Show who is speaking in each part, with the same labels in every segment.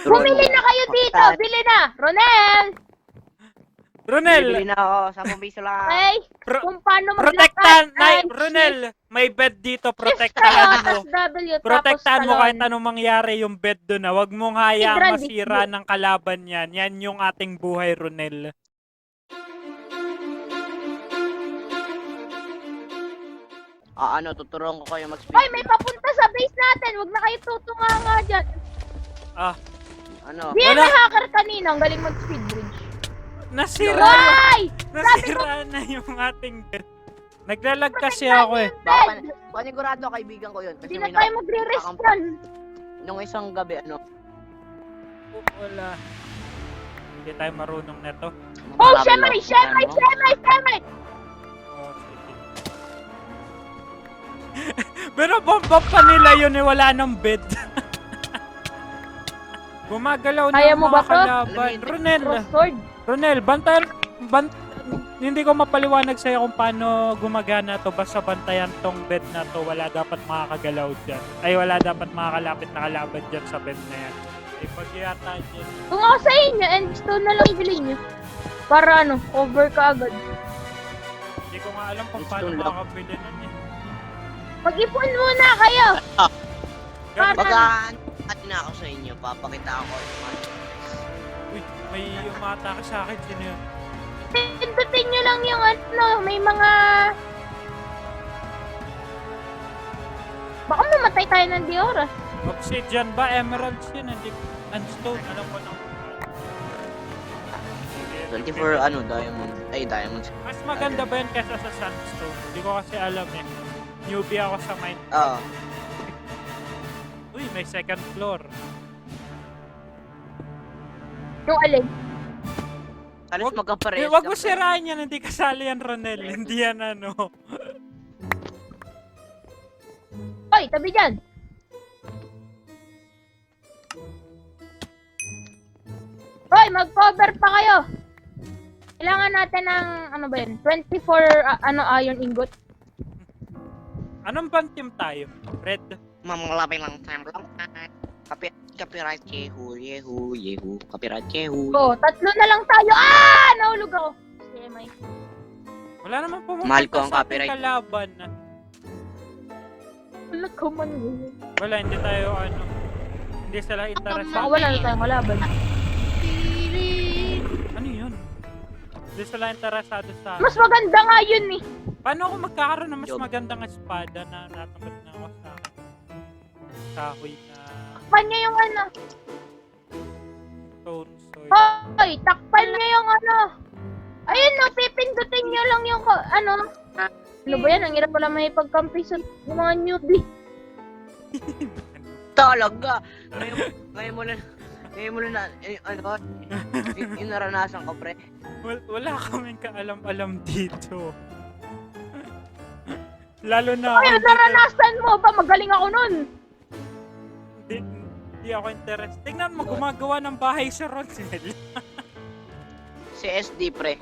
Speaker 1: Bumili na kayo dito! Bili na!
Speaker 2: Ronel!
Speaker 3: Bibili na ako, 10 piso lang.
Speaker 1: Okay? Kung paano
Speaker 2: Protektahan!
Speaker 1: maglakad
Speaker 2: Ay,
Speaker 1: and
Speaker 2: Ronel! May bed dito,
Speaker 1: shift kayo,
Speaker 2: protektahan mo.
Speaker 1: tapos W,
Speaker 2: Protektahan
Speaker 1: tapos
Speaker 2: mo kahit
Speaker 1: talon.
Speaker 2: anong mangyari yung bed doon na. Huwag mong hayaang
Speaker 1: Hidran,
Speaker 2: masira ng kalaban yan. Yan yung ating buhay, Ronel.
Speaker 3: Tuturuan ko kayo mag-speed.
Speaker 1: Hoy, may papunta sa base natin! Huwag na kayo tutunga nga dyan! Di yan
Speaker 2: Wala.
Speaker 1: may hacker kanina, ang galing mag-speed bridge.
Speaker 2: Nasira!
Speaker 1: Hoy!
Speaker 2: Nasira na yung ating bed. Naglalag kasi ako eh.
Speaker 3: Baka panigurado kaibigan ko yun. Kasi
Speaker 1: Hindi na tayo magre-respawn.
Speaker 3: Nung isang gabi,
Speaker 2: Wala. Hindi tayo marunong neto.
Speaker 1: Oh, Shemay! Shemay! Shemay! Shemay!
Speaker 2: Oh, sige. Pero bomba pa nila yun eh, wala ng bed. Gumagalaw na
Speaker 1: Kaya
Speaker 2: yung
Speaker 1: mo ba
Speaker 2: mga
Speaker 1: to?
Speaker 2: kalaban.
Speaker 1: Crossword.
Speaker 2: Ronel, hindi ko mapaliwanag sa'yo kung paano gumagana to. Basta bantayan tong bed na to. Wala dapat makakagalaw dyan. Ay, wala dapat makakalapit na kalaban dyan sa bed na yan. Ay, pag yata dyan.
Speaker 1: Kung ako sa inyo, and stone na lang ibili nyo. Para over ka agad.
Speaker 2: Hindi ko nga alam kung paano
Speaker 3: Stone lang.
Speaker 2: makakabili nun eh.
Speaker 1: Mag-ipon muna kayo!
Speaker 2: Ganun.
Speaker 3: Pagka na ako sa inyo, papakita ako
Speaker 2: Uy, may umatake sa akin. Sino yun?
Speaker 1: Pindutin nyo lang yung may mga... Baka mamatay tayo ng Diora.
Speaker 2: Obsidian ba? Emeralds yun. Hindi. Unstone. Alam ko na.
Speaker 3: 24 diamond. Ay, diamonds.
Speaker 2: Mas maganda ba yun kaysa sa sandstone? Hindi ko kasi alam eh. Newbie ako sa mine.
Speaker 3: Oo.
Speaker 2: Uy, may second floor.
Speaker 1: Yung alin.
Speaker 3: Alas magkapares.
Speaker 2: Wag mo sirain yan. Hindi kasali yan, Ronel. Hindi yan ano.
Speaker 1: Hoy, tabi dyan! Hoy, mag-cover pa kayo! Kailangan natin ng, 24 iron ingot.
Speaker 2: Anong bang team tayo? Red?
Speaker 3: Mamalapin lang time lang. Copyright yehu. Copyright yehu.
Speaker 1: Oh, 3 na lang tayo. Nahulog ako. Sige, may.
Speaker 2: Wala naman pumunta
Speaker 3: Mahal ko ang
Speaker 2: sa ating
Speaker 3: copyright.
Speaker 2: kalaban.
Speaker 1: Wala ka man.
Speaker 2: Wala, hindi tayo hindi sila
Speaker 1: Baka
Speaker 2: interesado.
Speaker 1: wala na tayong kalaban.
Speaker 2: Ano yun? Hindi sila interesado sa...
Speaker 1: Mas maganda nga yun eh.
Speaker 2: Paano ako magkakaroon ng mas
Speaker 3: Job.
Speaker 2: magandang espada na natamad na ako sa kahoy na
Speaker 1: Takpan niya yung
Speaker 2: stone sword?
Speaker 1: Hoy, takpan niya yung Ayun pipindutin niyo lang yung Ano ba yan? Ang hirap pala may pagkampi sa mga newbie.
Speaker 3: Talaga. Ngayon mo na, yung naranasan ko, pre.
Speaker 2: Wala kaming kaalam-alam dito. Lalo na
Speaker 1: Ay, naranasan mo ba? Magaling ako nun.
Speaker 2: Hindi ako interested. Tingnan mo, gumagawa ng bahay sa Ronel.
Speaker 3: Si SD, pre.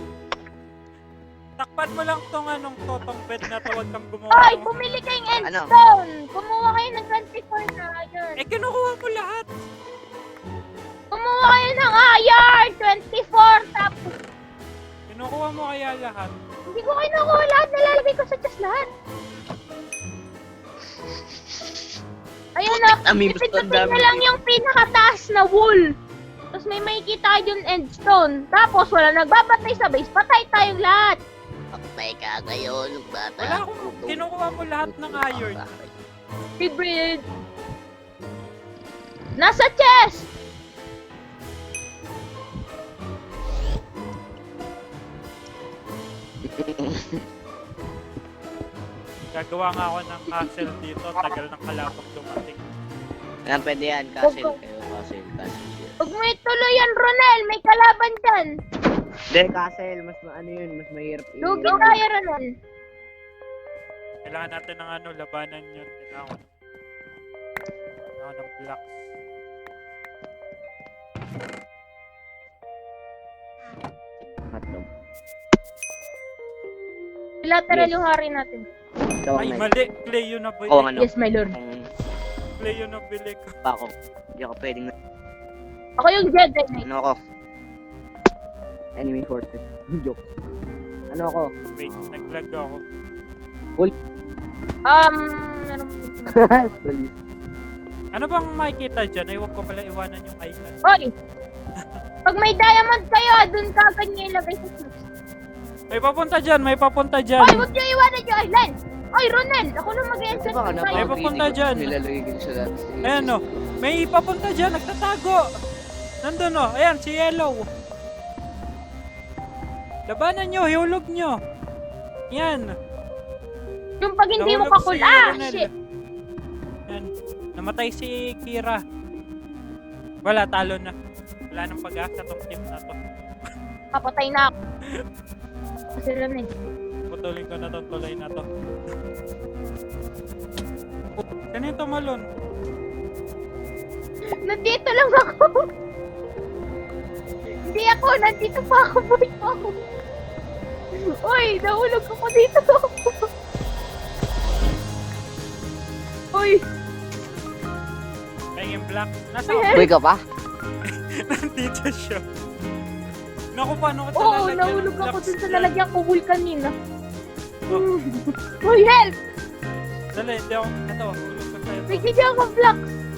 Speaker 2: Takpan mo lang tong totong bed na to, wag kang gumawa.
Speaker 1: Ay, bumili kayong endstone. Kumuha kayo ng 24 na iron.
Speaker 2: Kinukuha mo lahat.
Speaker 1: Kumuha kayo ng iron. 24. Tapos,
Speaker 2: Kinukuha mo kaya lahat.
Speaker 1: hindi ko kayo nakuha lahat. Nalalagay ko sa chest lahat. Ayun na. Ipindutin nyo lang yung pinakataas na wool. Tapos may makikita kayo yung endstone. Tapos wala nagbabatay sa base. Patay tayong lahat.
Speaker 3: Patay ka ngayon, bata.
Speaker 2: Wala akong kinukuha mo lahat ng iron.
Speaker 1: Hybrid. Nasa chest.
Speaker 2: Gagawa nga ako ng castle dito. Tagal ng kalapag dumating.
Speaker 3: Yan, pwede yan. Castle kayo, castle.
Speaker 1: Huwag mo ituloy yan, Ronel. May kalaban dyan.
Speaker 3: Hindi, castle. Mas yun, mas mahirap.
Speaker 1: Lugi tayo, Ronel.
Speaker 2: Kailangan natin ng labanan yun. Kailangan ng blocks.
Speaker 3: Hotdog.
Speaker 1: Lateral
Speaker 3: Yes.
Speaker 1: yung hari natin.
Speaker 3: Ikaw ang
Speaker 2: Ay,
Speaker 3: may-
Speaker 2: mali. Clay yun na bili
Speaker 3: Oo,
Speaker 2: ko.
Speaker 3: ano?
Speaker 1: Yes, my lord.
Speaker 3: Ang
Speaker 2: Clay yun na bili ko.
Speaker 3: pa ako. Hindi ako pwedeng
Speaker 1: Ako yung Jedi Knight.
Speaker 3: Ano ako? Enemy forces. Joke. Ano ako?
Speaker 2: Wait, nag-lag ako.
Speaker 1: Meron
Speaker 3: Police.
Speaker 2: Ano bang makikita dyan? Ay, huwag ko pala iwanan yung island.
Speaker 1: Hoy! Pag may diamond kayo, dun kagad niyo ilagay sa snoops.
Speaker 2: May papunta dyan, may papunta dyan.
Speaker 1: Hoy, huwag niyo iwanan yung island! Hoy, Ronel! Ako lang mag-e-enchant
Speaker 3: Baka
Speaker 1: ng
Speaker 2: May
Speaker 1: tayo.
Speaker 2: papunta dyan.
Speaker 3: Nilalagay ko sa lahat.
Speaker 2: Ayan o. May papunta dyan, nagtatago. Nandun o. Ayan, si Yellow. Labanan nyo, hiulog nyo. Yan.
Speaker 1: Yung pag hindi mo
Speaker 2: Nahulog
Speaker 1: kakul...
Speaker 2: si
Speaker 1: Ah,
Speaker 2: Ronel.
Speaker 1: shit!
Speaker 2: Yan. Namatay si Kira. Wala, talo na. Wala nang pag-asa tong team na to.
Speaker 1: Papatay na ako. Kasi Ronel.
Speaker 2: Putulin ko na tong tulay na to. Ganito malon.
Speaker 1: Nandito lang ako. Hindi ako, nandito pa ako. Boy pa ako. Uy, nahulog ako dito. Uy,
Speaker 2: Ay, yung black. Nasa
Speaker 1: Uy,
Speaker 3: Buhay ka pa?
Speaker 2: nandito siya. Naku, paano ko
Speaker 1: oo,
Speaker 2: lalagyan ng
Speaker 1: nahulog ako
Speaker 2: blocks
Speaker 1: dun sa
Speaker 2: dyan?
Speaker 1: lalagyan ko wool kanina.
Speaker 2: Oh.
Speaker 1: Uy, help!
Speaker 2: Dali, hindi ako. Ito, hulog ko sa'yo.
Speaker 1: Bigyan ako block.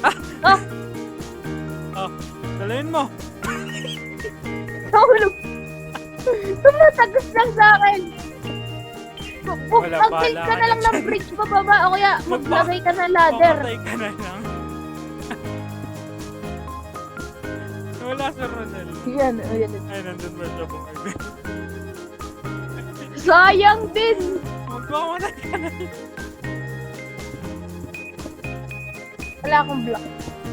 Speaker 2: Dalayin mo.
Speaker 1: Nahulog. Tumatagos lang sa akin.
Speaker 2: Wala,
Speaker 1: Mag-build
Speaker 2: bahala
Speaker 1: ka
Speaker 2: ka
Speaker 1: na lang
Speaker 2: na
Speaker 1: ng
Speaker 2: dyan.
Speaker 1: bridge pababa o kaya maglagay ka ng ladder.
Speaker 2: Pamatay ka na lang. Wala sa Ronel.
Speaker 1: Yan, ayan.
Speaker 2: Ay, nandun ba siya bumili?
Speaker 1: Sayang din.
Speaker 2: Magpamatay ka na lang.
Speaker 1: Wala akong block.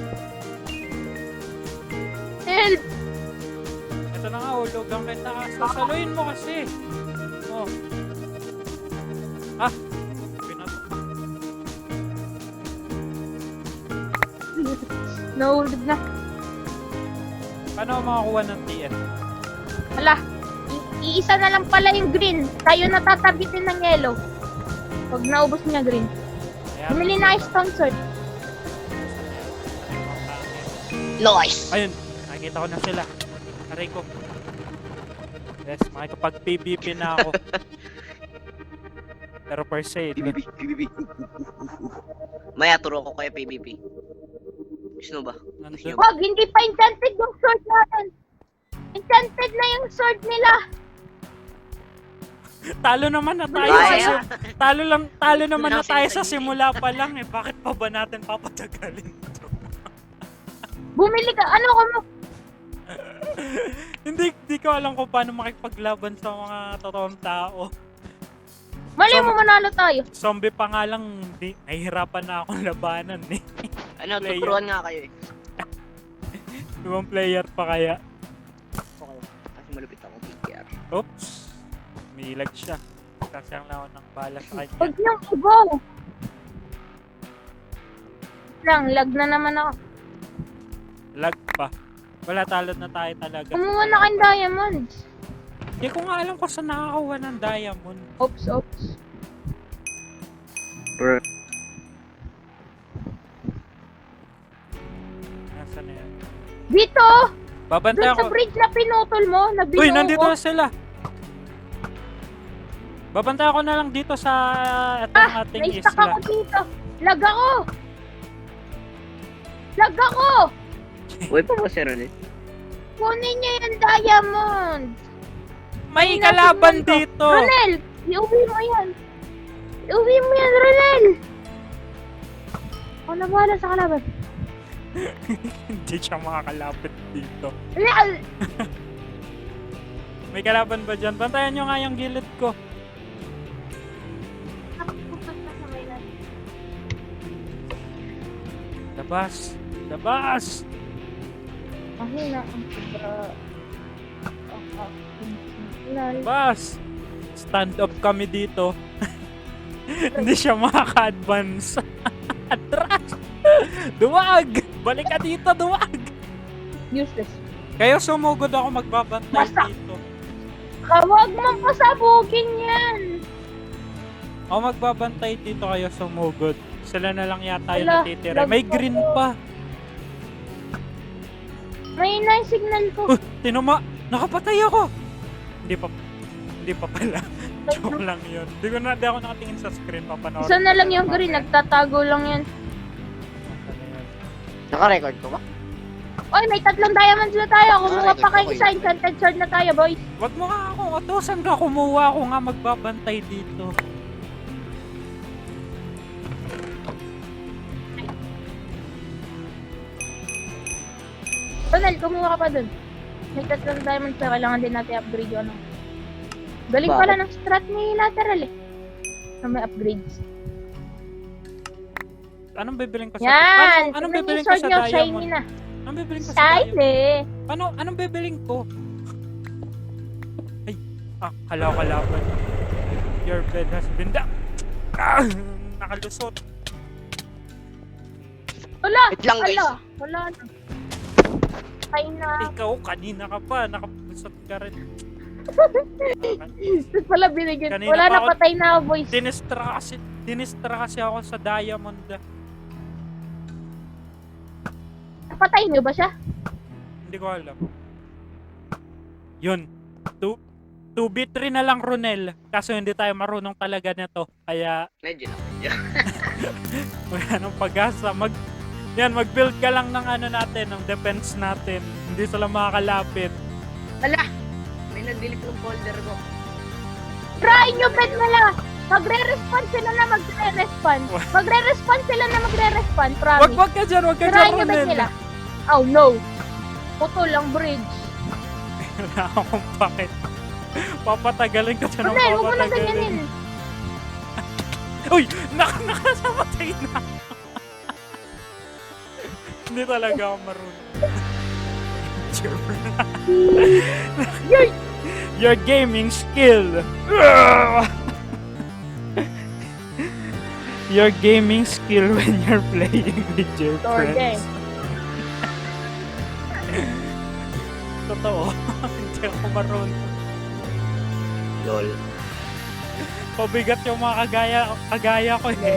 Speaker 1: Help!
Speaker 2: Ito na nga, hulugan kita. Sasaluin mo kasi. Oh. Ah! Pinato.
Speaker 1: Nahulog na.
Speaker 2: Paano ako makakuha ng TF?
Speaker 1: Wala. Iisa na lang pala yung green. Tayo natatabitin ng yellow. Pag naubos niya green.
Speaker 2: Ayan.
Speaker 1: Bumili na yung stone sword.
Speaker 3: Nice!
Speaker 2: Ayun, nakikita ko na sila. Aray ko. Yes, makikapag-PvP na ako. Pero per se,
Speaker 3: PvP, PvP. Maya, turo ko kayo PvP. Gusto mo ba?
Speaker 2: nandun.
Speaker 1: Wag, hindi pa enchanted yung sword natin. Enchanted na yung sword nila.
Speaker 2: Talo naman na tayo
Speaker 3: Kaya.
Speaker 2: talo naman na tayo sa
Speaker 3: Sinasabi.
Speaker 2: simula pa lang eh. Bakit pa ba natin papatagalin ito?
Speaker 1: Bumili ka. Ano ko mo?
Speaker 2: hindi ko alam kung paano makipaglaban sa mga totoong tao.
Speaker 1: Mali
Speaker 2: So,
Speaker 1: mo manalo tayo.
Speaker 2: Zombie pa nga lang, nahihirapan na akong labanan eh.
Speaker 3: Ano,
Speaker 2: Player.
Speaker 3: tuturuan nga kayo eh.
Speaker 2: Ibang player pa kaya.
Speaker 3: Okay. Kasi malupit ako PKR.
Speaker 2: Oops. Milag siya. Kasang lawan ng bala sa kanya.
Speaker 1: Huwag niyong i-go. Lang, lag na naman ako.
Speaker 2: Lag pa. Wala, talo na tayo talaga.
Speaker 1: Kumuha na kayong diamonds.
Speaker 2: Hindi ko nga alam kung saan nakakakuha ng diamond.
Speaker 1: Oops, oops.
Speaker 2: Nasaan na yan?
Speaker 1: Dito!
Speaker 2: Babantay
Speaker 1: Doon sa
Speaker 2: ako.
Speaker 1: bridge na pinutol mo, na binuo
Speaker 2: Uy, nandito
Speaker 1: ko.
Speaker 2: na sila. Babantay ako na lang dito sa itong ating
Speaker 1: Na-stuck
Speaker 2: isla.
Speaker 1: ako dito. Lag ako! Lag ako!
Speaker 3: Uy, pa ba si Ronel?
Speaker 1: Kunin niyo yung diamond!
Speaker 2: May
Speaker 1: Ay,
Speaker 2: kalaban
Speaker 1: nasin mo to.
Speaker 2: dito.
Speaker 1: Ronel! Iuwi mo yan! Iuwi mo yan, Ronel! Ako na bahala sa kalaban.
Speaker 2: Hindi siya makakalapit dito.
Speaker 1: Ronel!
Speaker 2: May kalaban ba dyan? Bantayan nyo nga yung gilid ko. Labas! Labas!
Speaker 1: Mahina ang sobra.
Speaker 2: Labas! Stand up kami dito. Hindi siya makaka-advance. Atras! Duwag! Balik ka dito, duwag!
Speaker 1: Useless.
Speaker 2: Kayo sumugod ako magbabantay
Speaker 1: Basta.
Speaker 2: dito.
Speaker 1: Huwag mo pasabugin yan!
Speaker 2: Ako magbabantay dito, kayo sumugod. Sila na lang yata yung
Speaker 1: Wala,
Speaker 2: natitira. May
Speaker 1: lag-
Speaker 2: green pa.
Speaker 1: May na yung signal ko.
Speaker 2: Tinuma! Nakapatay ako! Hindi pa pala. Joke lang yun. Di ako nakatingin sa screen. Papanoorin.
Speaker 1: Isa na lang yung green, nagtatago lang yan.
Speaker 3: Naka-record ko ba?
Speaker 1: Oy, may 3 diamonds na tayo. Kumuha
Speaker 3: record
Speaker 1: pa kayo
Speaker 3: ko
Speaker 1: isa, enchanted sword na tayo, boys.
Speaker 2: Wag mo nga akong utusan ka kumuha. Ako nga magbabantay dito.
Speaker 1: Ronel, kumuha ka pa dun. May 3 diamonds na kailangan din natin upgrade yung ano. Galing
Speaker 3: Bakit?
Speaker 1: pala ng strat ni lateral eh. Na may upgrades.
Speaker 2: Anong bibiling ko sa...
Speaker 1: Yan!
Speaker 2: Anong
Speaker 1: Tignan
Speaker 2: bibiling
Speaker 1: yung
Speaker 2: ko
Speaker 1: sword
Speaker 2: sa
Speaker 1: nyo, shiny
Speaker 2: diamond?
Speaker 1: na.
Speaker 2: Anong bibiling ko sa diamond?
Speaker 1: Shiny!
Speaker 2: Anong bibiling ko? Ay, kalaban. Your bed has been down. Nakalusot.
Speaker 1: Wala!
Speaker 3: Wait lang, guys.
Speaker 1: Wala na. Patay na.
Speaker 2: Ikaw, kanina ka pa. Nakalusot ka rin.
Speaker 1: Tapos pala binigyan.
Speaker 2: Kanina
Speaker 1: Wala
Speaker 2: pa
Speaker 1: na,
Speaker 2: ako-
Speaker 1: patay na ako, boys.
Speaker 2: Dinistra kasi ako sa diamond.
Speaker 1: Patay niyo ba siya?
Speaker 2: Hindi ko alam. Yun. 2v3 na lang, Ronel. Kaso hindi tayo marunong talaga nito. Kaya
Speaker 3: Medyo na.
Speaker 2: wala nang pag-asa. Mag-build ka lang ng ano natin, ng defense natin. Hindi sila makakalapit.
Speaker 3: Hala! May nag-delete ng folder ko.
Speaker 1: Try nyo, pet nila! Magre-respawn sila na magre-respawn. Magre-respawn sila na magre-respawn, promise.
Speaker 2: Wag ka dyan,
Speaker 1: Try nyo, pet
Speaker 2: Ronel.
Speaker 1: nila. Oh, no. Putol ang bridge.
Speaker 2: Wala akong pakit. Papatagalin ka dyan ng
Speaker 1: Ronel, huwag mo na
Speaker 2: papatagalin.
Speaker 1: ganyanin.
Speaker 2: Uy! Nakasamatay na! Hindi talaga ako marunong. Your gaming skill! Your gaming skill when you're playing with your
Speaker 1: Door
Speaker 2: friends. Totoo. Hindi ako marunong.
Speaker 3: Lol.
Speaker 2: Pabigat yung mga kagaya ko eh.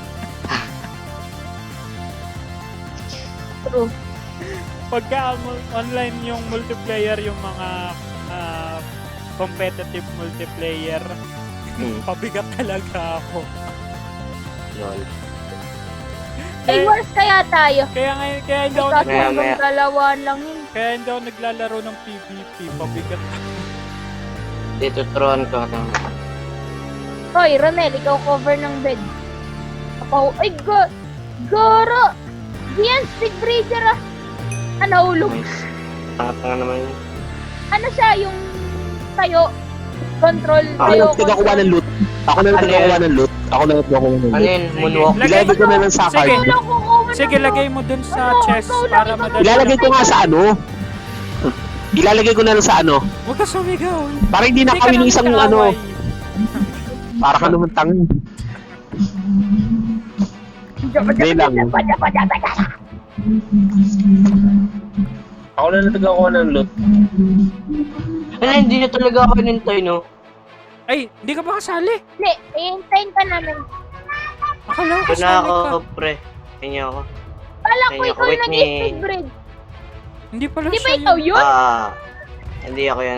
Speaker 1: True.
Speaker 2: Pagka online yung multiplayer, yung mga competitive multiplayer, pabigat talaga ako.
Speaker 3: Lol.
Speaker 1: Hey, worse kaya tayo.
Speaker 2: Kaya hindi ako,
Speaker 1: Ikaw,
Speaker 3: Maya,
Speaker 1: hanggang
Speaker 3: maya.
Speaker 1: dalawaan lang yun.
Speaker 2: kaya hindi ako naglalaro ng PvP, pabigat.
Speaker 3: Dito, turuan ko.
Speaker 1: Hoy, Ronel, ikaw cover ng bed. Ay, Goro! Diyan, Speed Breeder ah. Nahulog.
Speaker 3: Tatanga naman yun.
Speaker 1: Ano siya, yung tayo? Control,
Speaker 4: Ako
Speaker 1: tayo,
Speaker 4: lang tagakuha ng loot. Ako lang tagakuha ng loot. Ako lang tagakuha ng
Speaker 3: Ano
Speaker 4: loot.
Speaker 3: yun? Moonwalk?
Speaker 4: Ilalagay ko na lang sa
Speaker 2: Sige.
Speaker 4: card.
Speaker 1: Wala ko kuha ng
Speaker 2: Sige,
Speaker 1: loot.
Speaker 2: lagay mo dun sa
Speaker 1: Ano,
Speaker 2: chest
Speaker 1: ikaw lang,
Speaker 2: para
Speaker 1: ikaw
Speaker 2: madali.
Speaker 4: Ilalagay ko nga sa ano. Ilalagay ko na lang sa ano.
Speaker 2: Huwag ka sumigaw.
Speaker 4: Para hindi
Speaker 2: Hindi ka
Speaker 4: nakawin yung
Speaker 2: namin
Speaker 4: isang
Speaker 2: kaaway.
Speaker 4: ano. Para ka naman tangi. Hindi lang. Ako lang tagakuha ng loot.
Speaker 3: Ano, hindi na talaga ako nintay, no?
Speaker 2: Ay, hindi ka ba kasali?
Speaker 1: Hindi, iintayin ka namin.
Speaker 2: Akala ko
Speaker 3: Ito na
Speaker 2: kasali
Speaker 3: ako,
Speaker 2: ka.
Speaker 3: pre. Kanya ako.
Speaker 1: Kala ko
Speaker 3: Ayun,
Speaker 1: ikaw yung
Speaker 3: wait ni-
Speaker 1: nag-speed breed.
Speaker 2: Hindi pala
Speaker 1: Di ba
Speaker 2: siya
Speaker 1: ikaw
Speaker 2: yun.
Speaker 1: yun?
Speaker 3: Hindi ako yan.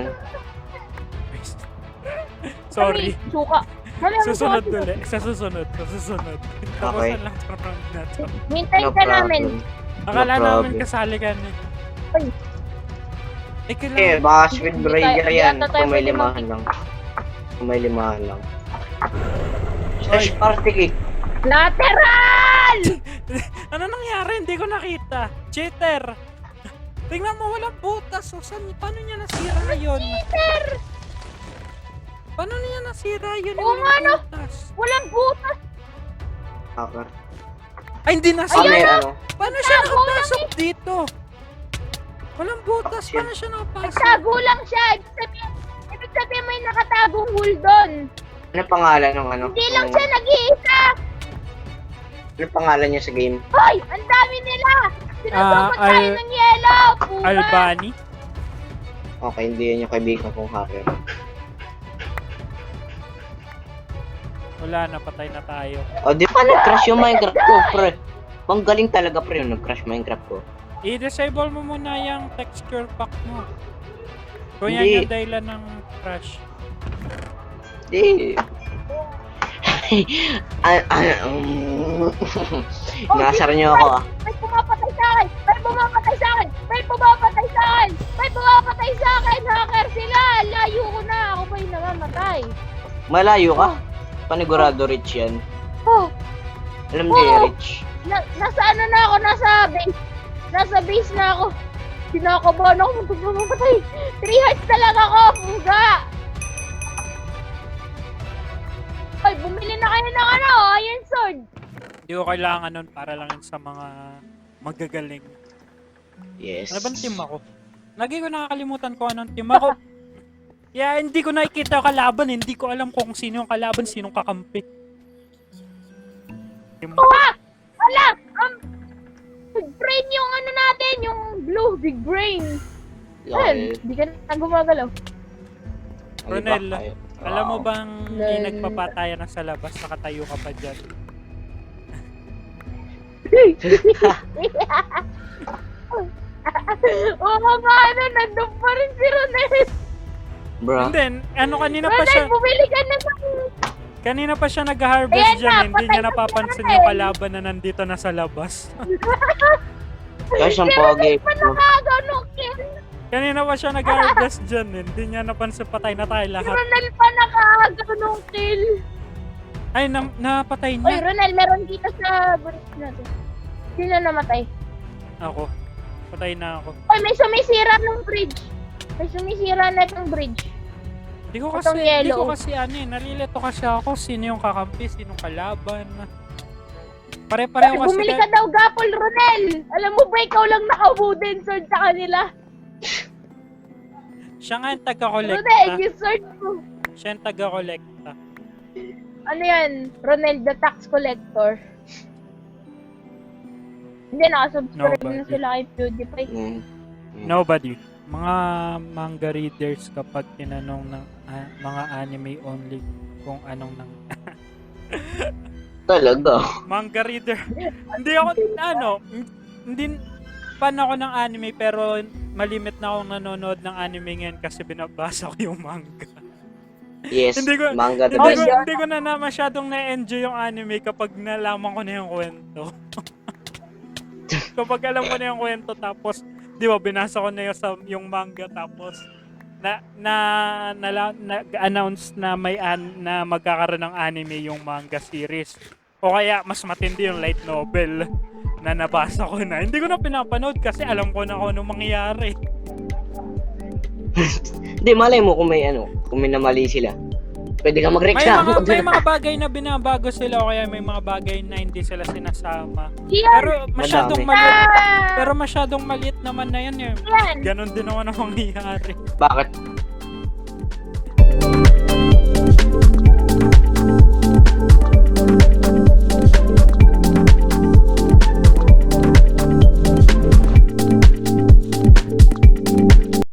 Speaker 2: Sorry.
Speaker 1: Kami, suka. Mamaya mo
Speaker 2: Susunod
Speaker 1: suka.
Speaker 2: ulit. Sa susunod. Tapusan lang sa round na to.
Speaker 1: Hintayin
Speaker 3: No
Speaker 1: ka namin.
Speaker 3: problem.
Speaker 2: Akala
Speaker 3: No
Speaker 2: namin
Speaker 3: problem.
Speaker 2: kasali ka na.
Speaker 1: Ay.
Speaker 2: Eh,
Speaker 3: Eh,
Speaker 2: kailangan.
Speaker 3: baka Speed Breaker
Speaker 1: Hindi
Speaker 3: yan.
Speaker 1: ata tayo
Speaker 3: Kung may
Speaker 1: pwede
Speaker 3: limahan lang. Kung may limahan lang.
Speaker 2: Oy.
Speaker 3: Slash party kick.
Speaker 1: Lateral!
Speaker 2: Ano nangyari? Hindi ko nakita. Cheater! Tingnan mo, walang butas. O, paano niya nasira yun?
Speaker 1: Peter!
Speaker 2: Paano niya nasira yun?
Speaker 1: Oo
Speaker 2: Walang
Speaker 1: nga, no?
Speaker 2: butas.
Speaker 1: Walang butas.
Speaker 3: Hacker.
Speaker 2: Ay, hindi
Speaker 3: Ah,
Speaker 2: nasira.
Speaker 3: may ano?
Speaker 2: Paano siya
Speaker 1: Nagtago
Speaker 2: nakapasok dito? Walang butas.
Speaker 3: Shit.
Speaker 2: Paano siya nakapasok?
Speaker 1: Nagtago lang siya. Ibig sabihin may nakatagong hole doon.
Speaker 3: Ano pangalan ng ano?
Speaker 1: Hindi lang siya nag-iisa.
Speaker 3: Ano pangalan niya sa game?
Speaker 1: Hoy! Ang dami nila! Sinusukat tayo
Speaker 2: Al-
Speaker 1: ng yellow! Pupa!
Speaker 2: Albani?
Speaker 3: Okay, hindi yan yung kaibigan kong hacker.
Speaker 2: Wala na, patay na tayo.
Speaker 3: O, di pa nag-crash yung Minecraft ko, pre. Ang galing talaga, pre, yung nag-crash Minecraft ko.
Speaker 2: I-disable mo muna yung texture pack mo. Kung yan
Speaker 4: Hindi.
Speaker 2: yung dahilan ng crash.
Speaker 4: Di. Nasar niyo ako ah.
Speaker 1: May pumapatay sa akin! May pumapatay sa akin! May pumapatay sa akin! May pumapatay sa akin! Hacker sila! Layo ko na! Ako ba yung namamatay?
Speaker 4: Malayo ka? Panigurado Rich yan.
Speaker 1: Oh!
Speaker 4: Alam niyo
Speaker 1: Oh!
Speaker 4: Rich.
Speaker 1: Nasa ano na ako? Nasa base. Nasa base na ako. Sinakabahan ako. Magpapatay. 3 hearts na lang ako. Puga! Ay, bumili na kayo ng ano? Iron sword.
Speaker 2: Hindi ko kailangan nun para lang yun sa mga magagaling.
Speaker 4: Yes.
Speaker 2: Ano bang team ako? Lagi ko nakakalimutan ko anong team ako. Kaya hindi ko nakikita yung kalaban. Hindi ko alam kung sino yung kalaban, sinong kakampi. Team ako.
Speaker 1: Ah! Wala! Big brain yung ano natin, yung blue, big brain. Ayun,
Speaker 4: Lol.
Speaker 1: hindi ka na gumagalaw.
Speaker 2: Ronel,
Speaker 4: Ay,
Speaker 2: alam mo bang hindi
Speaker 1: Lol.
Speaker 2: nagpapatayan na sa labas, nakatayo ka pa dyan?
Speaker 1: Oo nga, ano, nandun pa rin si Ronel.
Speaker 4: Bro.
Speaker 2: And then, ano kanina pa
Speaker 1: Ronel,
Speaker 2: siya,
Speaker 1: bumili ka na ng...
Speaker 2: kanina pa siya nag-harvest
Speaker 1: Ayan
Speaker 2: dyan,
Speaker 1: na,
Speaker 2: hindi niya
Speaker 1: patay na
Speaker 2: napapansin
Speaker 1: si
Speaker 2: yung
Speaker 1: Ronel.
Speaker 2: kalaban na nandito na sa labas.
Speaker 4: Guys, ang
Speaker 1: Si
Speaker 4: pogi.
Speaker 1: Ronel pa nakagaw nung kill.
Speaker 2: Kanina pa siya nag-harvest dyan, hindi niya napansin patay na tayo
Speaker 1: Si
Speaker 2: lahat.
Speaker 1: Ronel pa nakagaw nung kill.
Speaker 2: Ay, napatay
Speaker 1: Oy,
Speaker 2: niya.
Speaker 1: Ronel, meron dito sa bridge natin. Sino namatay?
Speaker 2: Ako. Patay na ako.
Speaker 1: Oy, may sumisira ng bridge. May sumisira na itong bridge.
Speaker 2: Hindi ko
Speaker 1: Itong
Speaker 2: kasi,
Speaker 1: yellow.
Speaker 2: nalilito kasi ako sino yung kakampi, sinong kalaban. Pare-pareho
Speaker 1: Ay,
Speaker 2: kasi
Speaker 1: bumili
Speaker 2: tayo.
Speaker 1: ka daw gapol, Ronel. Alam mo ba, ikaw lang naka-wooden sword sa kanila.
Speaker 2: Siya nga yung
Speaker 1: Ronel,
Speaker 2: taga-kolekta.
Speaker 1: yung sword mo.
Speaker 2: Siya yung taga-kolekta.
Speaker 1: Ano yan? Ronel, the tax collector. Hindi, nakasubscribe
Speaker 2: Nobody.
Speaker 1: na sila kay PewDiePie.
Speaker 4: Mm.
Speaker 2: Nobody. Mga manga readers kapag tinanong ng mga anime only kung anong nang
Speaker 4: Talaga.
Speaker 2: manga reader. Hindi ako hindi fan ako ng anime pero malimit na akong nanonood ng anime ngayon kasi binabasa ko yung manga.
Speaker 4: Yes.
Speaker 2: Hindi ko-
Speaker 4: Manga the
Speaker 1: Oh,
Speaker 4: best.
Speaker 1: yeah.
Speaker 2: Hindi ko na masyadong na-enjoy yung anime kapag nalaman ko na yung kwento. Kapag alam ko na yung kwento tapos, di ba, binasa ko na yung manga tapos nag-announce na na magkakaroon ng anime yung manga series. O kaya mas matindi yung light novel na nabasa ko na. Hindi ko na pinapanood kasi alam ko na kung anong mangyayari.
Speaker 4: Hindi, malay mo kung may kung may namali sila. Pwede ka mag-reklamo.
Speaker 2: May mga bagay na binabago sila o kaya may mga bagay na hindi sila sinasama.
Speaker 1: Yan!
Speaker 2: Pero masyadong
Speaker 4: Madami.
Speaker 2: maliit.
Speaker 1: Ah!
Speaker 2: Pero masyadong maliit naman na yan.
Speaker 1: Yan!
Speaker 2: Ganon din naman ang mangyayari.
Speaker 4: Bakit?